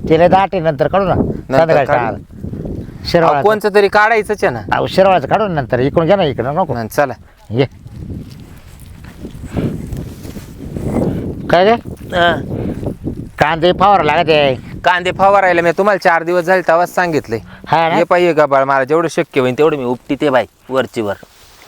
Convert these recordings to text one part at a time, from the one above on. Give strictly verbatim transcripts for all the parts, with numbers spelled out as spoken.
तिला दाटे नंतर काढू ना संध्याकाळी टाळा शिरवाळा कोणचं तरी काढायचंच आहे ना. अहो शिरवाळाचं काढू ना नंतर इकडून घ्या ना इकडं नको हं, चला ये काय रे कांदे फवारा लागत आहे कांदे फवारायला मी तुम्हाला चार दिवस झाले तेव्हाच सांगितलंय. हा ना? हे पाहिजे का बाळ मला जेवढं शक्य होईल तेवढं मी उपटी ते बाई वरची वर.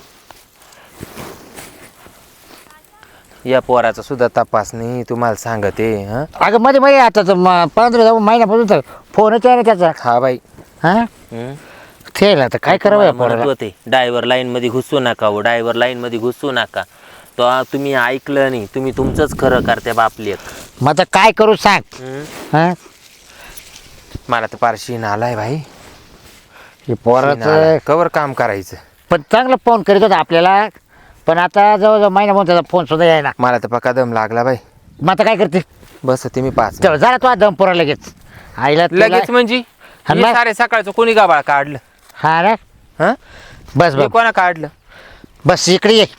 या पोराचा सुद्धा तपासणी तुम्हाला सांगते. हा अगं मध्ये मध्ये आता तर म- पंधरा जाऊ महिन्यापासून तर फोनच आहे ना त्याचा हा बाई. हा हं? ठेल आता काय करावं या पोराला होते ड्रायव्हर लाईन मध्ये घुसू नका हो ड्रायव्हर लाईन मध्ये घुसू नका. तो आ- तुम्ही ऐकलं नाही तुम्ही तुमचंच खरं करते बापलेक. मग आता काय करू सांग हं? हा मला तर पारशीन आलाय भाई. हे पोराचं कवर काम करायचं. पण चांगला फोन करीत होता आपल्याला पण आता जवळजवळ महिना म्हणून त्याचा फोन सुद्धा यायला मला तर पक्का दम लागला बाई. मग आता काय करते बस तुम्ही पाच चल जरा तो दम पुरा लगेच आईला तुला- लगेच म्हणजे हा हे ना? सारे सकाळचं कोणी गाबाळ काढलं. हा ना हं? बस हे बस कोणा काढलं. बस इकडे ये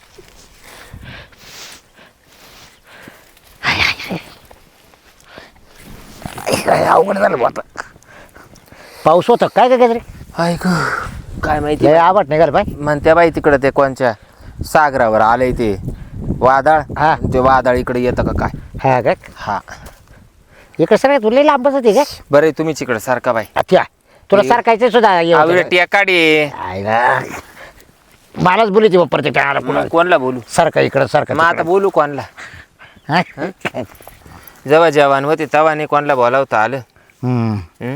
काय अवघड झालं बुवा आता पाऊस होता काय काय रे ऐक काय माहिती लय आवड नाही का बाई म्हणत्या बाई तिकडं ते कोणच्या सागरावर आलंय ते वादळ. हा. ते वादळ इकडे येतं का काय. हा का हा इकडे सर तुला लांबच होते का बरं तुम्हीच इकडे सारखा बाई. अच्छा तुला हे- सारखायचं सुद्धा ये होतं का? टेकाडी आईला मलाच बोलायची बा प्रत्येक टाळाला पुन्हा कोणला बोलू सारखा इकडं सारखा मग आता तिकडं. बोलू कोणला. हा? जेव्हा जवान होते तेव्हा नाही कोणला बोलावता आलं. हम्म. हं?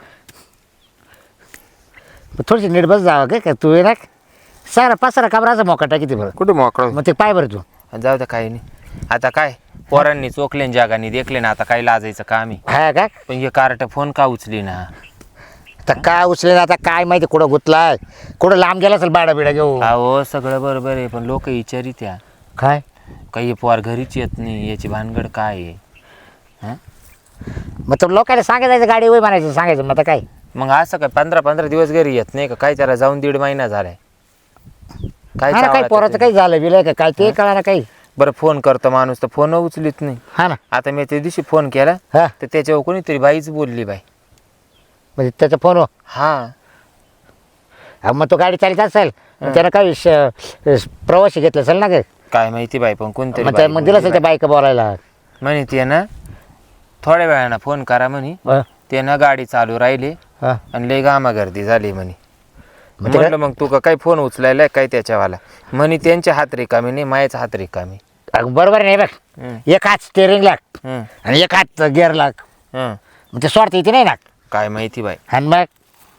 थोडीशी नीट बस जावं काय का तू ये ना सारा पासारा काबराचा मोका टाकी ते बरं कुठं मोकळं मग ते पाय बरं तू जाऊ द्या काही नाही. आता काय पोरांनी चोखले जगानी देखले ना आता काही लाजायचं काम आहे. हा का पण हे कार्ट फोन का उचली ना. तर काय उचले आता काय माहिती कुठं गुतलाय कुठं लांब गेला असेल बाडा बिडा घेऊ अहो सगळं बरोबर आहे पण लोक विचारी त्या काय काही पोर घरीच येत नाही याची भानगड काय आहे. हं? मग तर लोकांना सांगायचं गाडी वय म्हणायचं सांगायचं मग आता काय मग असं काय पंधरा पंधरा दिवस घरी येत नाही का काय त्याला जाऊन दीड महिना झालाय. काय हा ना काही चावला पोराचं त्याच्याने? काही झालं बिलं का काय ते कळा ना काही बरं फोन करतो माणूस तर फोन उचलीत नाही. हा ना आता मी त्या दिवशी फोन केला हा तर त्याच्यावर कोणीतरी बाईच बोलली बाई. म्हणजे त्याचा फोन हा मग तो गाडी चालित असेल मग त्यानं काही श- प्रवासी घेतलं असेल ना काय काय माहिती बाई पण कोणतरी मग बाई त्या- मग दिलं असेल बोलली त्या बाईक बोलायला बाई. म्हणे ते ना थोड्या वेळानं फोन करा म्हणे हा, ते ना गाडी चालू राहिली हा. आणि लय गामा गर्दी झाली म्हणे. मग ते म्हटलं मग तू का काही फोन उचलायला काय त्याच्यावाला म्हणे त्यांच्या हात रिकामी नाही मायाचा हात रिकामी. अगं बरोबर नाही बघ हं, एक हात स्टेअरिंग लाग हं, आणि एक हात गिअर लाग हं. मग ते स्वार्थ इथे नाही ना काय माहिती बाई. आणि मग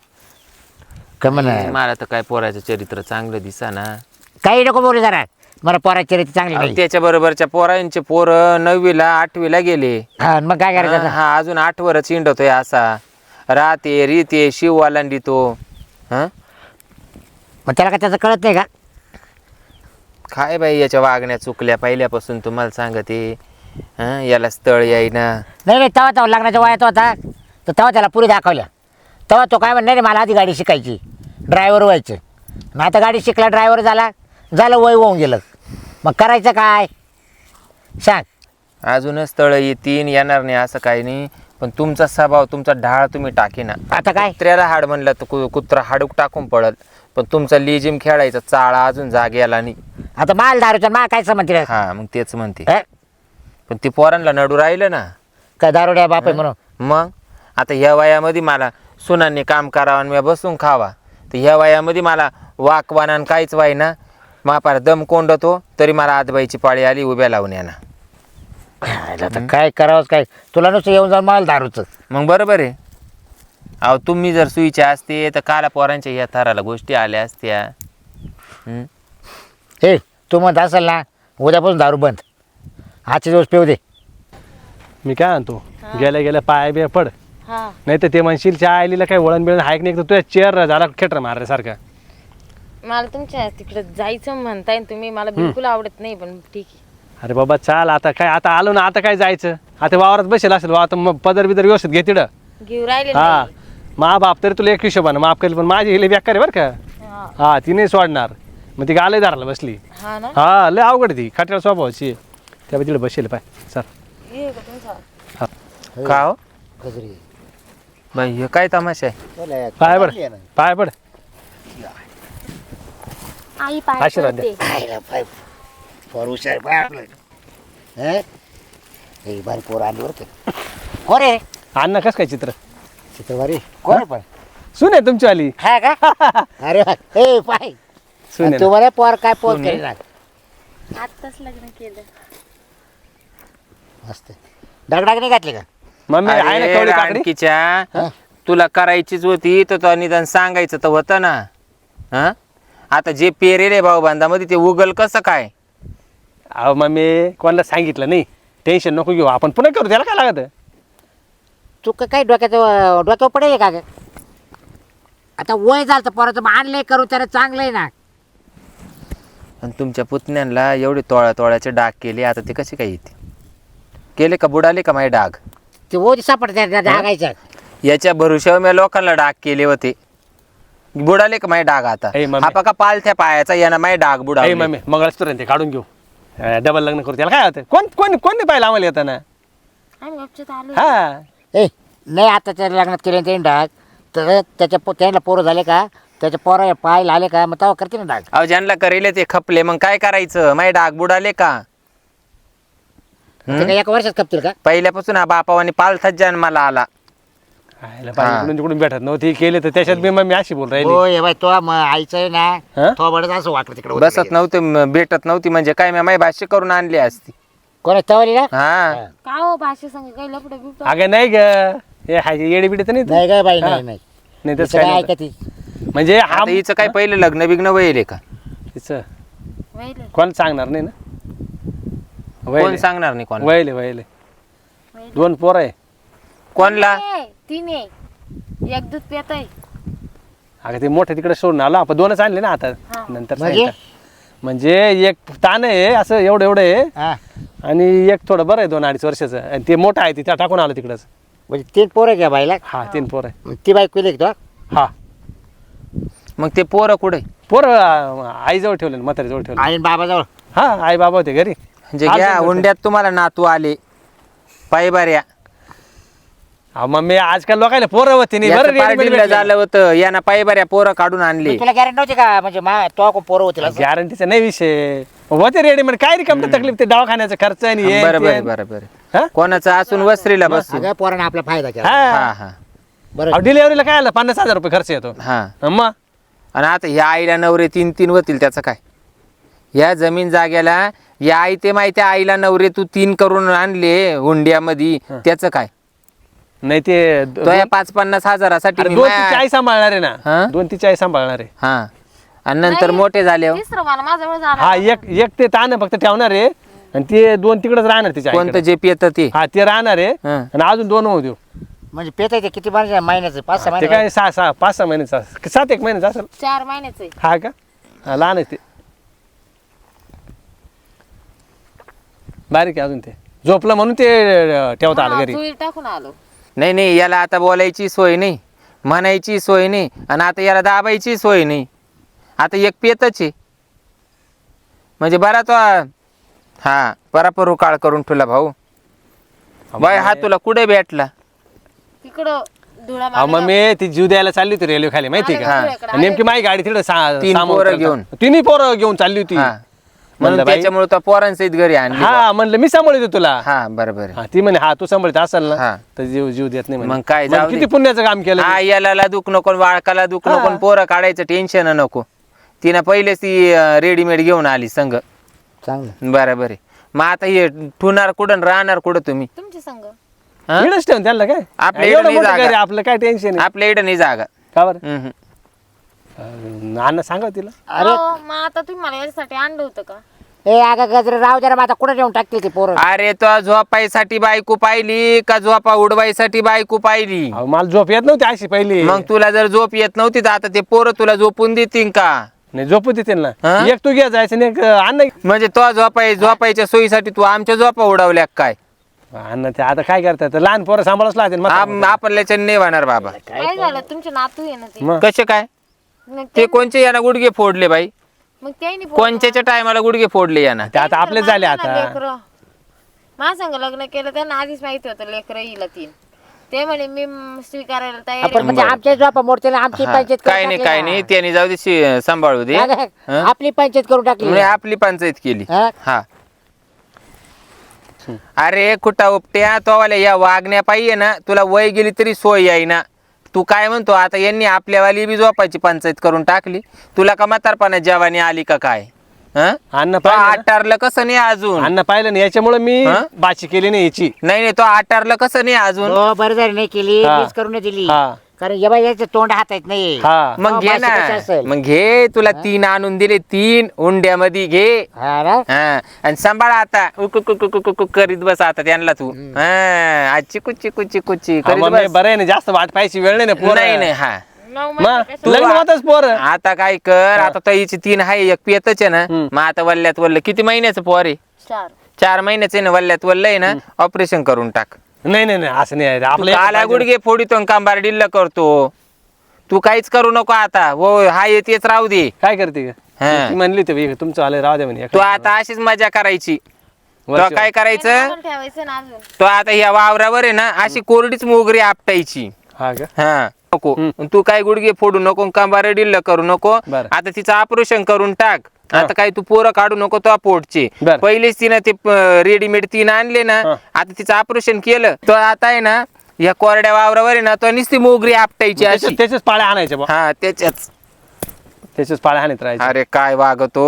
का म्हणा मला तर काय पोराचं चरित्र चांगलं दिसा ना. काही नको बोलू जरा मला पोराची रीती चांगली नाही त्याच्या बरोबरच्या पोरांचे पोर नववीला आठवीला गेले. हा आणि मग काय करायचं हा आता? हा, अजून आठवरच इंडतोय असा राहते रीते शिव वालांडी तो. हं मग त्याला का त्याचं कळत नाही का काय बाई याच्या वागण्या चुकल्या पहिल्यापासून तुम्हाला सांगते. हं याला स्थळ येईना. नाही नाही तेव्हा तेव्हा लग्नाच्या वयात होता तर तेव्हा त्याला पुरी दाखवल्या तेव्हा तो काय म्हण नाही मला आधी गाडी शिकायची ड्रायव्हर व्हायचं मग आता गाडी शिकला ड्रायव्हर झाला झालं वय होऊन गेलं मग करायचं काय सांग अजूनच स्थळ येतीन येणार नाही असं काही नाही पण तुमचा स्वभाव तुमचा ढाळ तुम्ही टाकेना. आता काय कुत्र्याला हाड म्हणलं तर कु- कुत्रा हाडूक टाकून पडल पण तुमचा लिजिम खेळायचा चाळा अजून जागेला नाही. आता माल दारूचा मा काय समजते रे? हा मग तेच म्हणते हे? पण ती पोरांना नडू राहिलं ना. काय दारुड्या बाप आहे म्हणून मग आता ह्या वयामध्ये मला सुनांनी काम करावं आणि मी बसून खावा तर ह्या वयामध्ये मला वाकवाना काहीच वाय ना मापार दम कोंडतो तरी मला आजबाईची पाळी आली उभ्या लावून याना. आता काय करावंच काय तुला नुसतं येऊन जाऊन माल दारूचं मग बरोबर आहे. अहो तुम्ही जर सुईचे असते तर काला पोरांच्या ह्या थराला गोष्टी आल्या असत्या. हं? हे तू म्हणत असेल ना उद्यापासून दारू बंद आजचे दिवस पिऊ दे मी काय म्हणतो गेल्या गेल्या पाय बे पड हा नाही तर ते म्हणशील त्या आईलीला काही वळण बिळण हायक नाही तर तुझ्या चेअर झाला खेटर मारल्यासारखा. मला तुमच्या तिकडे जायचं म्हणताय ना तुम्ही मला बिलकुल आवडत नाही पण ठीक आहे. अरे बाबा चाल आता काय आता आलो ना आता काय जायचं आता वावरात बसेल असेल वा आता मग पदर बिदर व्यवस्थित घे तिडं. घेऊ राहिले हा नाही. मा बाप तरी तुला एक हिशोबानं माफ करेल पण माझी हिले बेकार आहे बरं का. हा. हा ती नाही सोडणार मग ती गाले दाराला बसली. हा ना हा लय अवघड ती खटऱ्या स्वभावाची त्या तिकडे बसेल पाय सर. ये का तुमचा का हो गजरी बाई हे काय तमाशा आहे? बोला, पाय पड चांगली आहे ना. पाय पड आई पाय आशीर्वाद पडते. खायला पाय पोर हुशार पाय आपलं हे हे बारी पोर आणली बरं का. कोण आहे अण्णा कस काय चित्र चित्रवारी कोण आहे पण सुन आहे तुमची आली हा का अरे वा. ए पाय सुन आहे ना. तुम्हाला पोर काय पोर सुने. केली ना आत्ताच लग्न केलं. मस्त डागडाग नाही घातली का मम्मी आहे ना अरे कवळी काकडी रानकीच्या, तुला करायचीच होती तर तो निदान सांगायचं तर होतं ना. हा आता जे पेरेले भाऊ बांधामध्ये ते उगल कसं काय? अहो मम्मी कोणाला सांगितलं नाही टेन्शन नको घेऊ आपण पुन्हा करू त्याला काय लागत तू का- काय डोक्याचं डोक्यावर पडेल का ग आता वय झालं तर पोराचं मग आणलंय करू त्याला चांगलं आहे ना. आणि तुमच्या पुतण्यांना एवढे तोळ्या तोळ्याचे डाग केले, आता ते कसे काय येते? केले का बुडाले का माझे डाग? ते ओधी सापडते डागायचं याच्या भरोश्यावर मी लोकांना डाग केले होते, बुडाले का माझे डाग आता? ए, मम्मी. हा पका पालथ्या पायाचा यानं माझे डाग ए बुडाले. मम्मी मंगळसूत्र ते काढून घेऊ डबल लग्न करू त्याला काय होतं कोण कोण कोण नाही पाहिलं आम्हाला येताना आम्ही गपचत आलो. हा ए नाही आता त्याच्या लग्नात केले ते डाग तर त्याच्या पो- त्याला पोरं झाले का त्याच्या पोरा पाय आले का मग तेव्हा करते ना डाग. अहो ज्यांना करेले ते खपले, मग काय करायचं? माझे डाग बुडाले का? ते काय एका वर्षात खपतील का? पहिल्यापासून हा बापावानी पालथाच जन्माला आला. आयला बाई इकडून तिकडून भेटत नव्हती केले तर त्याच्यात मी मम्मी अशी बोल राहिली हो ये बाय तो मग आईचं आहे हा? ना तो बडच असं वाटलं तिकडे बसत नव्हते म- भेटत नव्हती म्हणजे काय, मी माझी भाष्य करून आणली असती. कोण तवली ना हा का हो भाषे संग काही लपड बिपड अगं नाही ग हे हाय येडी बिडी तर नाही तू? नाही काय बाई हा. नाही नाही नाही तिचं तसं काय काय नव्हतं. ऐकती म्हणजे हा आता हिचं काय पहिलं लग्न बिग्न वहिले का? तिचं वहिले कोण सांगणार नाही ना कोण वयले सांगणार नाही कोण? वयले वयले दोन पोर आहे कोणला? तीन आहे एक दूध पेत आहे. अगं ते मोठे तिकडे सोडून आलो आपण दोनच आणले ना आता हा. नंतर म्हणजे? सांगितलं. म्हणजे एक ताण आहे असं एवढं एवढं आहे हा आणि एक थोडं बरं आहे दोन अडीच वर्षाचं आणि ते मोठं आहे ते त्या टाकून आलं तिकडंच म्हणजे तीन पोरं घ्या बाईला हा तीन पोर आहे ती बाई केली का तो हा मग ते पोरं कुठे? पोर आईजवळ ठेवले म्हातारीजवळ ठेवले आई बाबाजवळ हा आई बाबा होते घरी म्हणजे आज घ्या नंतर- हुंड्यात तुम्हाला नातू आले पायबाऱ्या. अहो, मग मी आजकाल लोकांना पोरं होते नाही बरं याचं readymade पार्टीला भेटले. झालं होतं, यानं पायबाऱ्या पोरं काढून आणले. तुला गॅरंटी नव्हती का म्हणजे मा तो कोण पोरं होतील असं? गॅरंटीचा नाही विषय होते रेडीमेड काय रिकाम तकलीफ ते दवाखान्याचा खर्च आणि हे बरोबर आहे, ते. बरोबर आहे. हा? कोणाचं असून वस्त्रीला बसून. सगळ्या पोरांना आपला फायदा केला हा हा हा बरं डिलिव्हरीला काय आलं पन्नास हजार रुपये खर्च येतो हा मग आणि आता ह्या आईला नवरे तीन तीन होतील त्याचं काय? या जमीन जाग्याला या आई ते माहिती आहे, आईला नवरे तू तीन करून आणले हुंड्यामध्ये, त्याचं काय? नाही ते तो या पाच पन्नास हजारासाठी अरे मी दोन माया- तिची आई सांभाळणार आहे हा? ना दोन तिची आई सांभाळणार आहे हा आणि नंतर नाही. मोठे झाले हो. तिसरं मला माझ्याजवळ हा झाला. एक एक ते ताण फक्त ठेवणार आहे आणि ते दोन तिकडेच राहणार तिच्या कोणतं आईकडे. जे पियत ते हा ते राहणार आहे हा. आणि अजून दोन होऊ देऊ म्हणजे पेता येते किती महिन्याचं महिन्याचं पाच सहा ते महिने काय सहा सहा पाच सहा महिन्याचा सात एक महिन्याचा असेल चार महिन्याचं आहे. हा का हा लहान आहे ते बारीक आहे अजून ते झोपलं म्हणून ते अं, ठेवता आलं हा, घरी चुलीत टाकून आलो. नाही नाही याला आता बोलायची सोय नाही, म्हणायची सोय नाही आणि आता याला दाबायची सोय नाही. आता एक पेतच आहे म्हणजे बरा तो हा परापर काळ करून ठेवला भाऊ. बाय हा तुला कुठे भेटला? तिकडं धुळा हा मग मी ती जीव द्यायला चालली होती रेल्वे खाली माहिती हा. का आणि नेमकी माझी गाडी तिकडे तीन पोरं घेऊन. तिन्ही पोरं घेऊन चालली होती हा म्हणून म्हणलं बाई त्याच्यामुळे तो पोरांसहित घरी आणली बा. हा म्हणलं मी सांभाळतो तुला हा बरोबर हा ती म्हणे हा तू सांभाळत असेल ना हा. तर जीव जीव देत नाही म्हणे. मग काय, मग जाऊ दे. किती पुण्याचं काम केलं हा मी. याला दुख नको वाळकाला दुख नको हा. पोरं काढायचं टेन्शन नको. तिनं पहिलेच ती रेडीमेड घेऊन आली संघ. चांगलं बरोबर आहे. मग आता हे ठुणार कुठं राहणार कुठं तुम्ही? तुमच्या संग हा? इकडंच ठेवून त्यांना काय आपल्या एवढं इकडं नाही मोठं जागा. घर आहे, आपलं काय टेन्शन आहे आपल्या इकडं नाही जागा. का बरं हम्म. अं, अण्णा सांगा तिला अरे हो, मग आता तुम्ही मला याच्यासाठी आणलं होतं का? ए अगं गजरे राव जरा मग आता कुठे नेऊन टाकतील ते पोरं अरे तो झोपायसाठी बायको पाहिली का झोपा उडवायसाठी बायको पाहिली? अहो, मला झोप येत नव्हती अशी पहिली मग तुला जर झोप येत नव्हती तर आता ते पोरं तुला झोपून देतील का? नाही झोपू देतील ना हा? एक तू घ्या जायचं नाही एक अण्णा म्हणजे तो झोपाय झोपायच्या सोयीसाठी तू आमच्या झोपा उडवल्या काय? अण्णा ते आता काय करतात लहान पोरं सांभाळच लागते आम- आपल्याच्या नाही होणार बाबा. काय झालं तुमचे नातू आहे ना ते मग कसे काय? मग ते कोणचे यानं गुडघे फोडले बाई? मग त्यांनी कोणच्याच्या टायमाला गुडघे फोडले यानं? ते आता आपले झाले आता लेकर माझ्या संग लग्न केलं त्यांना आधीच माहिती होतं लेकर येईल तीन. ते म्हणे मी म, स्वीकारायला तयार आपण आहे. म्हणजे आमच्या झोपा मोडते आमची हा, पंचायत काय नाही काय नाही त्याने जाऊ दे शि- सांभाळू दे हं? आपली पंचायत करून टाकली म्हणजे आपली पंचायत केली हा? हा अरे कुठं उपट्या तो वाल्या या वागण्या पाहिजे ना तुला वय गेली तरी सोय याय ना तू काय म्हणतो आता यांनी आपल्यावाली बी झोपायची पंचायत करून टाकली तुला का म्हातारपणा जवानी आली का काय हं? अन्न तो पाहिलं ना? आटारलं कसं नाही अजून अन्न पाहिलं ना याच्यामुळे मी हा? बाची केली नाही याची नाही नाही तो आटारलं कसं नाही अजून हो बरं झालं नाही केली हा. मीच करून दिली हा. कारण या बाई याचं तोंड हातायत नाही हा मग हो, घे बाशी ना कशी असेल? मग घे तुला तीन आणून दिले तीन उंड्यामध्ये घे हा ना? हा आणि सांभाळा आता उकु कुकु कुकु कुकु करीत बस आता त्यांना तू हा आज चिकू चिकू चिकू ची हा, करीत मग मी बस बरं आहे ना जास्त वाट पाहायची वेळ नाही ना पोरं. नाही नाही हा नऊ मग महिने कसं- लग्न होतच पोर आता काय कर आता तो हिची तीन आहे एक पियतच आहे ना हम्म. मग आता वल्ल्यात वल्ल किती महिन्याचं पोर आहे चार चार महिन्याचं आहे ना वल्ल्यात वल्ल आहे ना ऑपरेशन करून टाक नाही नाही नाही असं नाही आपलं एक काला पाहिजे. गुडघे फोडितो कांबार डिल्ल करतो तू काहीच करू नको आता हो हा येतेच राहू दे काय करते ग? हा. ती म्हणली होती तुमचं आले राहू दे म्हणे तू आता अशीच मजा करायची तो वरची- काय करायचं पण ठेवायचं ना अजून तो आता ह्या वावरावर आहे ना अशी कोरडीच मोगरी आपटायची हा का हा नको हम्म. तू काय गुडघे फोडू नको कांबार डिल्ल करू नको बरं. आता तिचं ऑपरेशन करून टाक हा. आता काय तू पोरं काढू नको तो पोटचे बरं. पहिलेच तिनं ते रेडीमेड तीन आणले ना हा. आता तिचं ऑपरेशन केलं तो आता आहे ना या कोरड्या वावरावर आहे ना तो नुसती मोगरी आपटायची अशी त्याच्याच त्याच्याच पाळ्या आणायच्या बा हा त्याच्याच त्याच्याच पाळ्या आणत राहायच्या अरे काय वागतो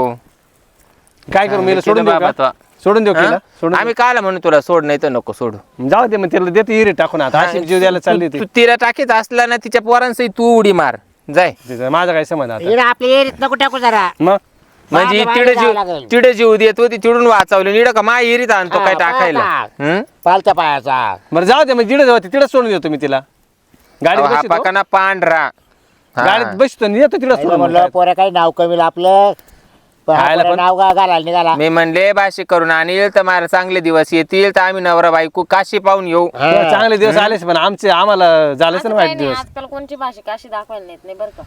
काय करू मी सोडून देऊ बाबा का तो. सोडून देऊ हा? केला सोडून आम्ही काल म्हणू तुला सोड नाही तर नको सोडू देऊ. जाऊ दे मग तिला देते हिरी टाकून आता अशी जीव द्यायला चालली तू होती तू तिला टाकीत असला ना तिच्या पोरांसही तू उडी मार जाय तिचं माझा काय संबंध आता इकडे आपल्या एरीत नको टाकू जरा मग म्हणजे बाहेर तिडे जावं जीव लागेल. तिडे जीव देत होती तिडून वाचवले निड का माय हिरीत आणतो हा, काय टाकायला पाहता. हं? पालत्या पायाचा बरं जाऊ दे मग जिडे जाऊ तिकडे सोडून देतो मी तिला गाडीत अहो, हा बसतो पाकाना पांढरा हा. गाडीत बसतो आणि येतो तिकडे पहिलं सोडून म्हणलं मग. पोऱ्या काही नाव कमी आपलं पण हा खायला पोऱ्या पण- नाव गा- घालायला निघाला मी म्हणले बाशी करून आणील तर मला चांगले दिवस येतील तर आम्ही नवरा बायको काशी पाहून येऊ तेव्हा चांगले दिवस आलेच पण आमचे आम्हाला झालेच असं ना काही वाईट नाही, दिवस आजकाल कोणची भाषा काशी दाखवायला नेत नाही बरं का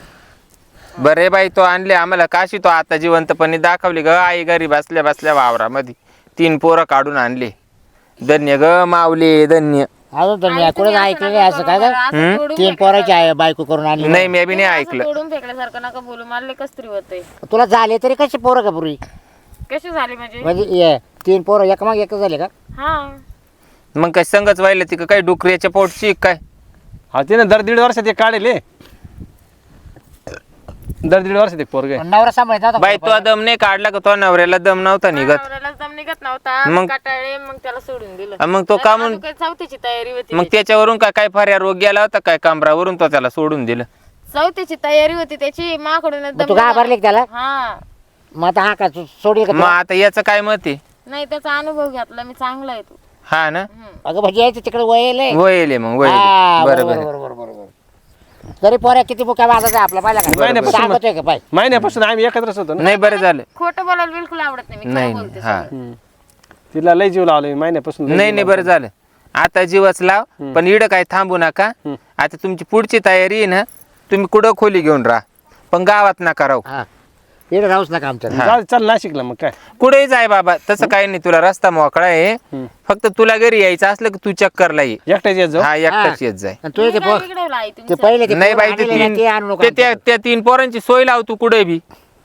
बरे बाई तो आणले आम्हाला काशी तो आता जिवंतपणे दाखवली ग आई घरी बसल्या बसल्या वावरामध्ये तीन पोरं काढून आणले धन्य ग मावले धन्य अजून तर मी आई, कुठे तुम्ही ऐकलं नाही असं काय बरं, का असं तोडून तीन फेकलं पोराची आहे बायको करून आणली नाही मी बी नाही असं ऐकलं तोडून फेकल्यासारखं नका बोलू मला कस तरी होतंय तुला झाले तरी कसे पोरं का पूर्वी कशी झाली म्हणजे म्हणजे ये, तीन पोरं एक मग एक झाले का हा मग काय संगच व्हायला ती काय डुकऱ्याच्या पोटची काय हा ते ना दर दीड वर्षात एक काढेल हे. दर दीड वर्षात एक पोरग आहे. नवरा सांभाळत नव्हता बाई तो दम नाही काढला का तो नवऱ्याला दम नव्हता निघत नवऱ्याला दम निघत नव्हता मग- काटाळे मग त्याला सोडून दिलं अन मग तो त्याला का म्हण- अजून काही चौथीची तयारी होती मग त्याच्यावरून काय काय फार रोग गेला होता काय कमरावरून तो त्याला सोडून दिलं चौथीची तयारी होती त्याची माकडून मग तू घाबरले का त्याला हा मग आता हा का तू सोडील का मग तुला? आता याचं काय मत आहे नाही त्याचा अनुभव घेतला मी चांगला आहे तू हा ना अगं म्हणजे यायचं तिकडे वयले वयले मग वयले हा, बरोबर बरोबर बरोबर बरोबर तरी पोऱ्या किती मुक्या वाजायचा आपला पाहिला का महिन्यापासून- सांगतोय का पाय महिन्यापासून आम्ही एकत्रच होतो ना नाही बरं झालं खोटं बोलायला बिलकुल आवडत नाही मी नाही खरं नाही बोलते हा सगळं. हम्म. तिला लय जीव लावला मी महिन्यापासून लय नाही जीव नाही लावला. बरं झालं आता जीवच लाव पण इडं काय थांबू नका हम्म. आता तुमची पुढची तयारी आहे ना तुम्ही कुठं खोली घेऊन राहा पण गावात नका राहू हा इकडे राहूच नका आमच्या हा. जाऊ दे, चल नाशिकला मग काय कुठेही जाय बाबा तसं काही नाही तुला रस्ता मोकळा आहे हम्म. फक्त तुला घरी यायचं असलं की तू चक्करला ये एकट्याच येत जाऊ हा एकटाच येत जाय आणि तुझे ते तुम्ही पो- काय बिघडवलं आई ते तुमचं? पहिले ते नाही पोरं बाई ते आणलेले ना, तीन ते आणू नको ते त्या आमच्याकडे. त्या तीन पोरांची सोय लाव तू कुठे बी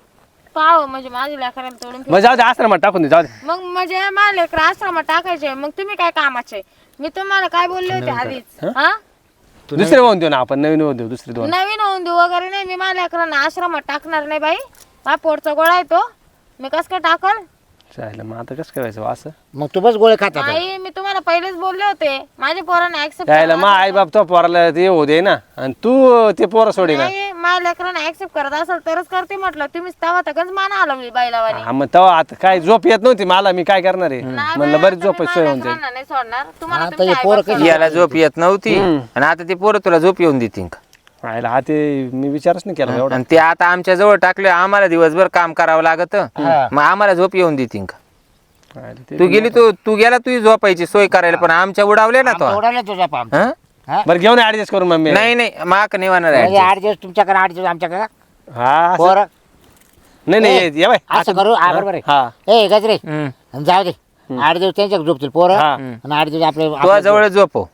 पाव म्हणजे माझी लेकराला तोडून मग जाऊ दे आश्रमात टाकून दे जाऊ दे फेक- मग म्हणजे माझ्या लेकर आश्रमात टाकायचे मग तुम्ही काय कामाचे मी तुम्हाला काय बोलले होते आधीच हा दुसरे होऊन देऊ ना आपण नवीन होऊन देऊ दुसरे दोन नवीन होऊन देऊ वगैरे नाही मी माझ्या लेकरांना आश्रमात टाकणार नाही बाई माझा पोटचा गोळा आहे तो मी कस काय टाकल चालेल मग आता कसं करायचं बा असं मग तू बस गोळे खात आता. नाही मी तुम्हाला पहिलेच बोलले होते माझ्या पोरांना ऍक्सेप्ट यायला मग आई बाप तो पोराला ते होऊ दे ना आणि तू ते पोरं सोडी ना नाही माझ्या लेकरांना ऍक्सेप्ट करत असेल तरच करते म्हटलं तुम्ही तवा तगच माना आला बाईलावानी हा मग तेव्हा आता काय झोप येत नव्हती मला मी काय करणार आहे म्हणलं बरीच झोप सोय होऊन जाईल नाही सोडणार तुम्हाला आता तुमच्या हे पोरं आईबाप कधी- याला झोप येत नव्हती आणि आता ते पोरं तुला झोप येऊन देतील का आयला हा ते मी विचारच नाही केला एवढा आणि ते आता आमच्या जवळ टाकले आम्हाला दिवसभर काम करावं लागत मग आम्हाला झोप येऊन देतील का आयला ते- तू गेली तू तू गेला तुझी झोपायची सोय करायला पण आमच्या उडावले ना तो आमचं उडालं तुझा पाम हं? बरं घेऊन ऍडजस्ट करून मम्मी नाही नाही माक नाही होणार म्हणजे आहे आठ दिवस तुमच्याकडे आठ दिवस आमच्याकडे हा असं- पोरं नाही नाही ये- ये बाय असं करू हा बरोबर आहे हा ए गजरे हं. आणि जाऊ दे आठ दिवस त्यांच्या झोपतील पोरं हा. आणि आठ दिवस आपले तुझ्या जवळ झोपव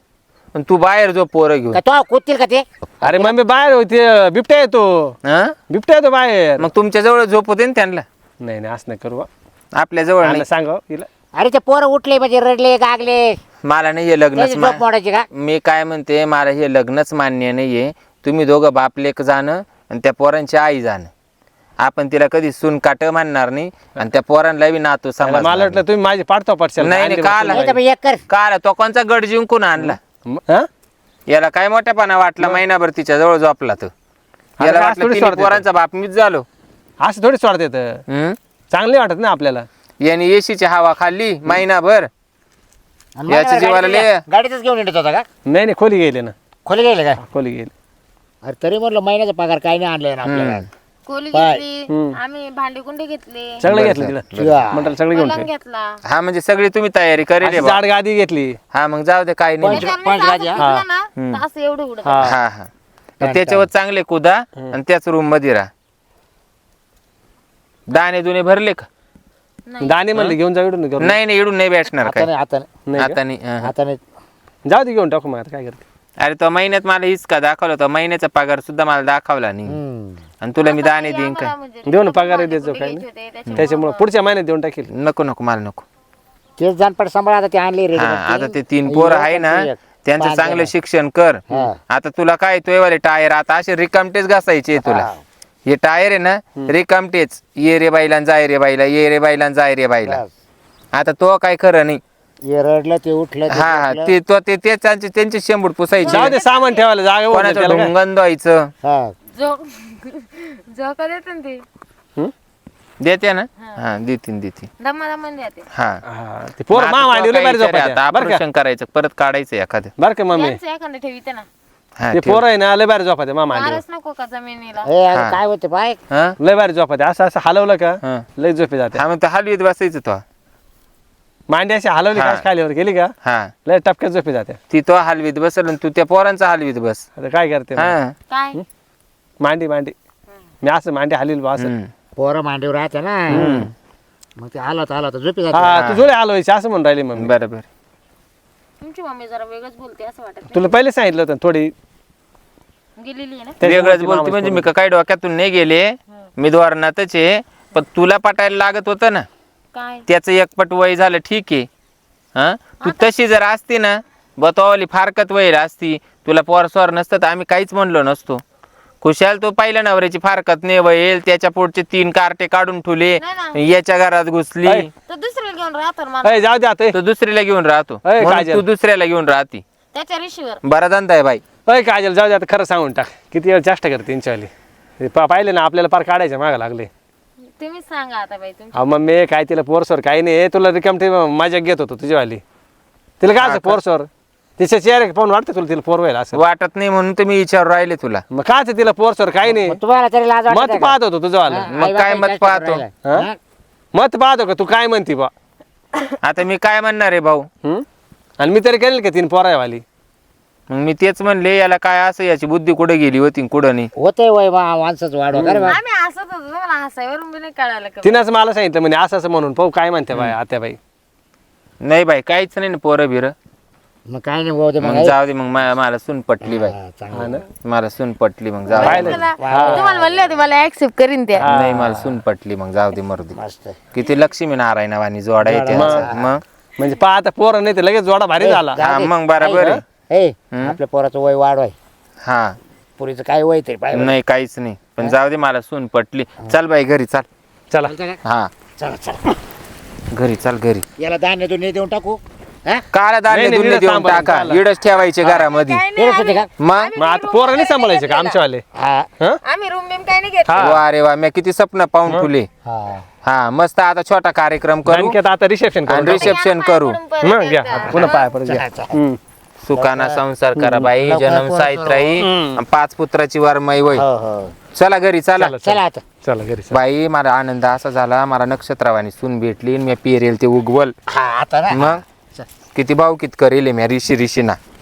आणि तू बाहेर जो पोरं घेऊन का तो कुदतील का ते अरे मम्मी बाहेर होते बिबट्या येतो हा बिबट्या येतो बाहेर मग तुमच्या जवळ झोपू दे ना त्यांना नाही नाही असं नाही करू आपल्या जवळ नाही सांगा तिला अरे ते पोरं उठले म्हणजे रडले गागले मला नाही हे लग्नच त्याची झोप मा- मोडायची का मी काय म्हणते मला हे लग्नच मान्य नाहीये तुम्ही दोघं बापलेक जाणं आणि त्या पोरांची आई जाणं आपण तिला कधी सून काट मानणार नाही आणि त्या पोरांना बी नातू मला समाज वाटलं तुम्ही माझी पाडतो पडशाल नाही, नाही, का आला? नाही तर मग एक कर काल तो कोणचा गड जिंकून आणला हा? याला काय मोठ्यापणा वाटला महिनाभर तिच्या जवळ झोपला तो याला आज वाटलं थोडी तिन्ही स्वार्थ येतो. पोरांचा बाप मीच झालो असं थोडी स्वार्थ येतं हम्म? चांगले वाटत ना आपल्याला याने एसीची हवा खाल्ली महिनाभर आणि याच्या मला जीवाला गाडीतच- लय- गाडीतच घेऊन येत होता का नाही नाही खोली गेले ना खोली गेले का खोली गेले अरे तरी म्हटलं महिन्याचा पगार काय नाही आणलाय ना आपल्याला कोली बाय. घेतली आम्ही भांडे कुंडे घेतले सगळं घेतलं तिला शिवा. मंडळ सगळं घेऊन पलंग ठेव. घेतला हा म्हणजे सगळी तुम्ही तयारी करेल अशी बा. जाड गादी घेतली हा मग जाऊ दे काही नाही पंच- त्याच्यावर पंच असं गादी, हा. फिरलं ना तर असं एवढं उडत हा हा हा मग त्याच्यावर चांगले कुदा आणि त्याच रूम मध्ये राहा दाणे दुने भरले का दाणे म्हणले घेऊन जाऊ इकडून घेऊन नाही नाही इडून नाही भेटणार आता काय नाही आता नाही नाही का? आता नाही हा, हा. आता नाही जाऊ दे घेऊन टाकू मग आता काय करते अरे तो महिन्यात मला हिसका दाखवला तो महिन्याचा पगार सुद्धा मला दाखवला नाही हम्म. आणि तुला मी दाणे देईन काय म्हणजे देऊ ना पगार द्यायचो काय नाही त्याच्यामुळे पुढच्या महिन्यात देऊन टाकील नको नको मला नको तेच जाणपट सांभाळ आता ते आणले रेडी हा आता ते तीन पोरं आहे ना त्यांचं चांगलं शिक्षण कर हा. आता तुला काय तोयवाले टायर आता असे रिकामटेच घासायचे तुला हा. हे टायर आहे ना रिकामटेच ये रे बाईला आणि जाय रे बाईला ये रे बाईला आणि जाय रे बाईला आता तो काय खरं नाही हे रडलं ते उठलं ते हा हा उठलं. ते तो ते ते त्यांचे त्यांचे शेंबूड पुसायचे जाऊ दे सामान ठेवायला जागा होऊन जाईल कोणाचं त्याला काय. ढुंगण द्वायचं हा जो जो का देते ना ते हं? देते ना हा देतीन देतीन दमा दमा देते हा हा, ते पोरं मग मा आता मांडीवर तो लय काय भारी विचार आहे झोपायच्या. आता बरं का ऑपरेशन करायचं परत काढायचं एखादं बरं का मम्मी यांचं एखादं ठेवीते ना हा, ते ठेव. पोरं आहे ना लय भारी झोपाते मा मांडीवर मारच नको का जमिनीला ए, अरे हा. काय होते बाय हा लय भारी झोपाते असं असं हलवलं का हा. लय झोपे जाते हा मग तो हलवीत बसायचं तो मांडी अशी हलवली हा. का खालीवर गेली का हा लय टपक्यात झोपे जाते ती तो हलवीत बसल आणि तू त्या पोरांचा हलवीत बस आता काय करते मग? हा काय मांडी मांडी मी असं मांडी हलील बा असं हम्म. पोरं मांडीवर राहते ना मग ते आलं तर आलं तर झोपी जाते हा तू जोडे हलवायची असं म्हणून राहिली मम्मी बरं बरं तुमची मम्मी जरा वेगळंच बोलते असं वाटत तुला पहिले सांगितलं होतं थोडी नाही गेलेली आहे ना त्याच्यामुळे वेगळंच ती बोलते मामाच म्हणजे पोरं. मी का काय डोक्यातून नाही गेले मी धोरणातच आहे पण तुला पटायला लागत होतं ना काय त्याचं एकपट वय झालं ठीक आहे हा तू तशी जर असती ना बतवाली फारकत वय असती तुला पोर स्वर नसतं तर आम्ही काहीच म्हणलो नसतो खुशाल तो पहिल्या नवऱ्याची फारकत नाही वयल त्याच्या पुढचे तीन कार्टे काढून ठेवले नाही याच्या घरात घुसली ऐ. तर दुसरीला घेऊन राहतो ना मला अय, जाऊ दे आता ए. तो दुसरीला घेऊन राहतो ऐ, म्हणून काजल. तू दुसऱ्याला घेऊन राहती त्याच्या रिशीवर बरा धंदा आहे बाई अय काजल जाऊ दे आता खरं सांगून टाक किती वेळ चेष्टा करते त्यांच्यावाली ते पा पाहिले ना आपल्याला पार काढायचं मागं लागले तुम्ही सांगा आता बाई तुमची अहो मम्मी काय तिला पोरसोर काही नाही तुला रिकाम ते मजा घेत होतो तुझीवाली तिला काय असं पोरसोर तिच्या चेहरे पाहून वाटतं तुला तिला पोर व्हायला असं वाटत नाही म्हणून तर मी विचार राहिले तुला मग काय तिला पोरसोर काही नाही मग तुम्हाला तरी लाज वाटत मत नाही का? पाहत होतो तुझंवालं हा, मग आई काय बापाची मत जास्त पाहतो? राहिला. हा? हा? मत पाहतो का तू काय म्हणती बा आता मी काय म्हणणार आहे भाऊ हम्म? आणि मी तरी केलं का तीन पोरायवाली मग मी तेच म्हणले याला काय असं याची बुद्धी कुठे गेली होती कुठं नाही होते वय मा- माणसाचं वाढवा का रे बा? आम्ही हसत होतो तुम्हाला हसायवरून बी नाही कळायला का तिनंच मला सांगितलं म्हणजे असं असं म्हणून पाहू काय म्हणते बाई आत्या बाई नाही बाई काहीच नाही ना पोरं बिरं मग काय नाही भाऊ ते मग मग जाऊ दे मग मा- मला सून पटली बाई हा, चांगलं. हा ना मला सून पटली मग जाऊ दे पाहिलं तुम्हाला तुम्हाला म्हणले होते मला ऍक्सेप्ट करीन त्या नाही मला सून पटली मग जाऊ दे मरू दे मस्त किती लक्ष्मी नारायणवाणी जोडा येते यांचा. मग म्हणजे पहा आता पोरं नाही तर लगेच जोडा भारी झाला हा मग बरोबर आहे ए आपल्या पोराचं वय वाढवाय हा पुरीचं काय वय तरी पाहिजे नाही काहीच नाही पण जाऊ दे मला सून पटली चल बाई घरी चाल चला हा चला चला घरी चाल घरी याला धान्य दुन्य देऊन टाकू हा काला धान्य नाही, नाही, दुन्य इडच देऊन सांभाळून टाका चाला. इडच ठेवायचे घरामध्ये तेच होते का मग मग आता पोरं नाही सांभाळायचे का आमच्यावाले हा हं? आम्ही रूम बिम काही नाही घेत वा रे वा मी किती स्वप्न पाहून फुले हा हा मस्त आता छोटा कार्यक्रम करू आणखी आता रिसेप्शन आणि करू रिसेप्शन करू मग घ्या पुन्हा पाय परत घ्या हम्म. सुखाना संसार करा बाई लवकर जन्म पोरं साहित्राई आणि पाच पुत्राची वरमाई वय हो हो चला घरी चला चला, चला आता चला घरी चला. बाई मला आनंद असा झाला मला नक्षत्रवाणी सून भेटली आणि मी पेरेल ते उगवल हा आता ना मग किती भाऊ कित करेल मी ऋषी ऋषीना